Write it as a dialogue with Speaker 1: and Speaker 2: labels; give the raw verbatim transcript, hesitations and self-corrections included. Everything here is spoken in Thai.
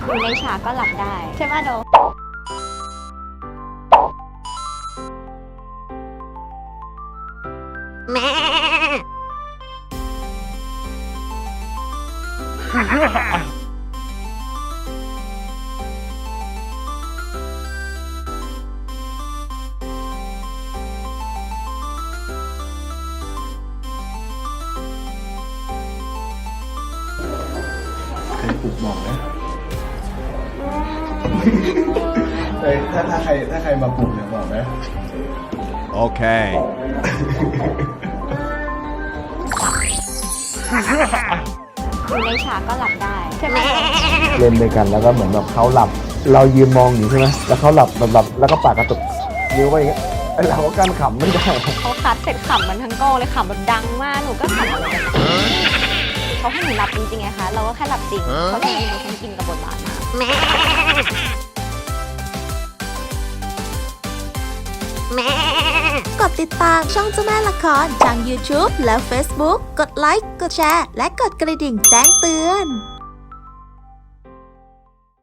Speaker 1: อยู่ในฉากก็หลับได้ใช่ไหมโดแม่
Speaker 2: ใครปลุกบอกนะเฮ้ยถ้าถ้าใครถ้าใครมาปลุกเนี่ยบอกนะ
Speaker 3: Okay.
Speaker 1: อยู่ในฉากก็หลับได้ใช่ไหม
Speaker 4: เล่นด้วยกันแล้วก็เหมือนแบบเขาหลับ เรายืนมองอยู่ใช่ไหมแล้วเขาหลับแบบหลับแล้วก็ปากกระตุกนิ้วไปอย่างเงี้ยไอ้เราก็กั้นขำไม่ได้
Speaker 1: เขาคัดเสร็จขำมันทั้งโก้เลยขำแบบดังมากหนูก็ขำเหมือนกันเขาให้หนูหลับจริงๆไงคะเราก็แค่หลับจริงเพราะจริงๆหนูคงกินกับบทบาทมาแม่แม่
Speaker 5: กดติดตามช่องเจ้าแม่ละครทาง YouTube และ Facebook กดไลค์ กดแชร์ และกดกระดิ่งแจ้งเตือน